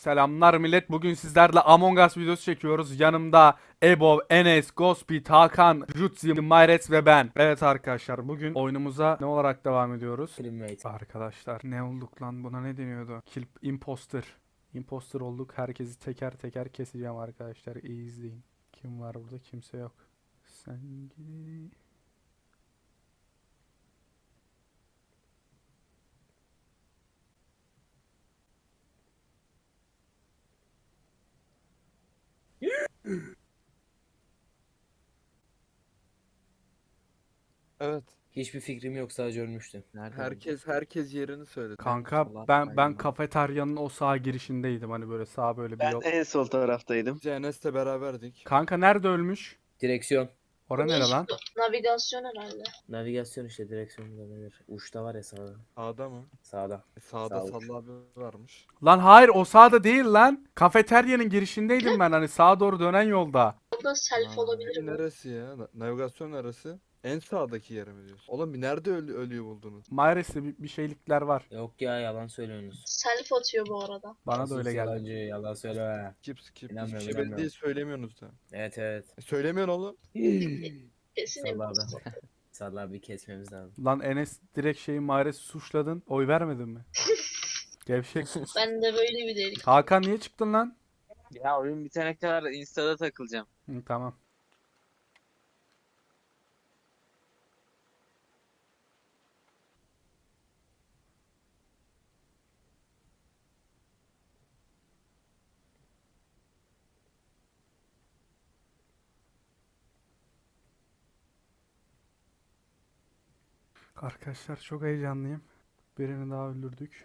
Selamlar millet. Bugün sizlerle Among Us videosu çekiyoruz. Yanımda Ebo, Enes, Gospit, Hakan, Jutsi, Mayret ve ben. Evet arkadaşlar, bugün oyunumuza ne olarak devam ediyoruz? Primate. Arkadaşlar ne olduk lan, buna ne deniyordu? Kill imposter. Imposter olduk. Herkesi teker teker keseceğim arkadaşlar. İyi izleyin. Kim var burada? Kimse yok. Sen gidi. Evet. Hiçbir fikrim yok, sadece ölmüştüm. Nerede? Herkes yerini söyledi. Kanka sola ben atmayın. kafeteryanın o sağ girişindeydim. Hani böyle sağ böyle bir Ben yol. en sol taraftaydım. Biz Enes'le beraberdik. Kanka nerede ölmüş? Direksiyon. Ora nere lan? Navigasyon herhalde. Navigasyon işte, direksiyon da nedir? Uçta var ya, sağda. Sağda mı? Sağda. Sağda Sağ uç. Sallı abi varmış. Lan hayır, o sağda değil lan. Kafeteryanın girişindeydim ben, hani sağa doğru dönen yolda. Burada self olabilir bu. Neresi ya? Navigasyon neresi? En sağdaki yeri mi diyorsun? Oğlum bir nerede ölüyü buldunuz? Maalesef bir şeylikler var. Yok ya, yalan söylüyorsunuz. Self atıyor bu arada. Bana da Asıl öyle geldi. yalancı, yalan söyleme. Skip. Hiçbir İnanmıyorum, şey belli inanmıyorum. değil söylemiyorsunuz da. Evet evet. Söylemiyorsun oğlum. Kesin Salla abi. imposter. Salla abi, kesmemiz lazım. Lan Enes, direkt Mares'i suçladın. Oy vermedin mi? Gevşek. Ben de böyle bir delik. Hakan niye çıktın lan? Ya oyun bitene kadar Insta'da takılacağım. Hı, tamam. Arkadaşlar çok heyecanlıyım. Birini daha öldürdük.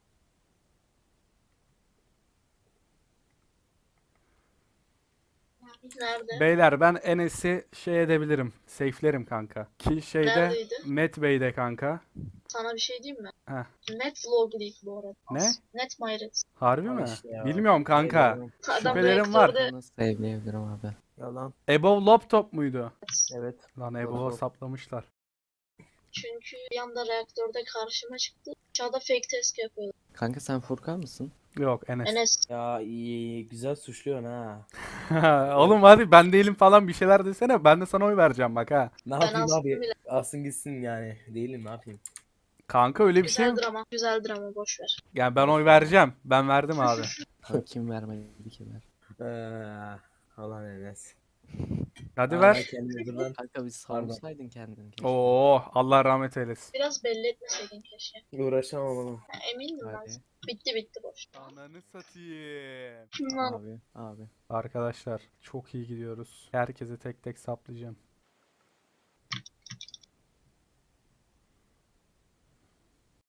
Nerede? Beyler, ben Enes'i şey edebilirim. Safe'lerim kanka. Ki şeyde Neredeydi? Met Bey'de kanka. Sana bir şey diyeyim mi? Heh. Net vlog değil bu arada. Ne? Net Mayret. Harbi Al mi? işte ya. Bilmiyorum kanka. Yalan. Adam Şüphelerim var. reaktörde Nasıl save'leyebilirim abi? Yalan. Above Laptop muydu? Evet. Lan Above'a saplamışlar. çünkü bir anda reaktörde karşıma çıktı. Aşağıda fake test yapıyordu. Kanka sen Furkan mısın? Yok, Enes. Enes. Ya iyi, güzel suçluyorsun ha. Oğlum hadi, ben değilim falan bir şeyler desene. Ben de sana oy vereceğim bak ha. Ne Ben yapayım astım abi? bile. Alsın gitsin yani. Değilim, ne yapayım? Kanka öyle bir şey yok. Güzeldir ama. Güzeldir ama boş ver. Yani ben oy vereceğim. Ben verdim abi. Kanka kim vermedi ki ver. Olan Enes. Hadi Aa, ver. kendini dur lan. Kanka bir savunsaydın kendini. keşke. Oo, Allah rahmet eylesin. Biraz belli etmeseydin keşke. Uğraşamam oğlum. Ha, emindim ben. Hadi. Bitti boş. Ananı satayım. Kim lan? Abi. Arkadaşlar çok iyi gidiyoruz. Herkese tek tek saplayacağım.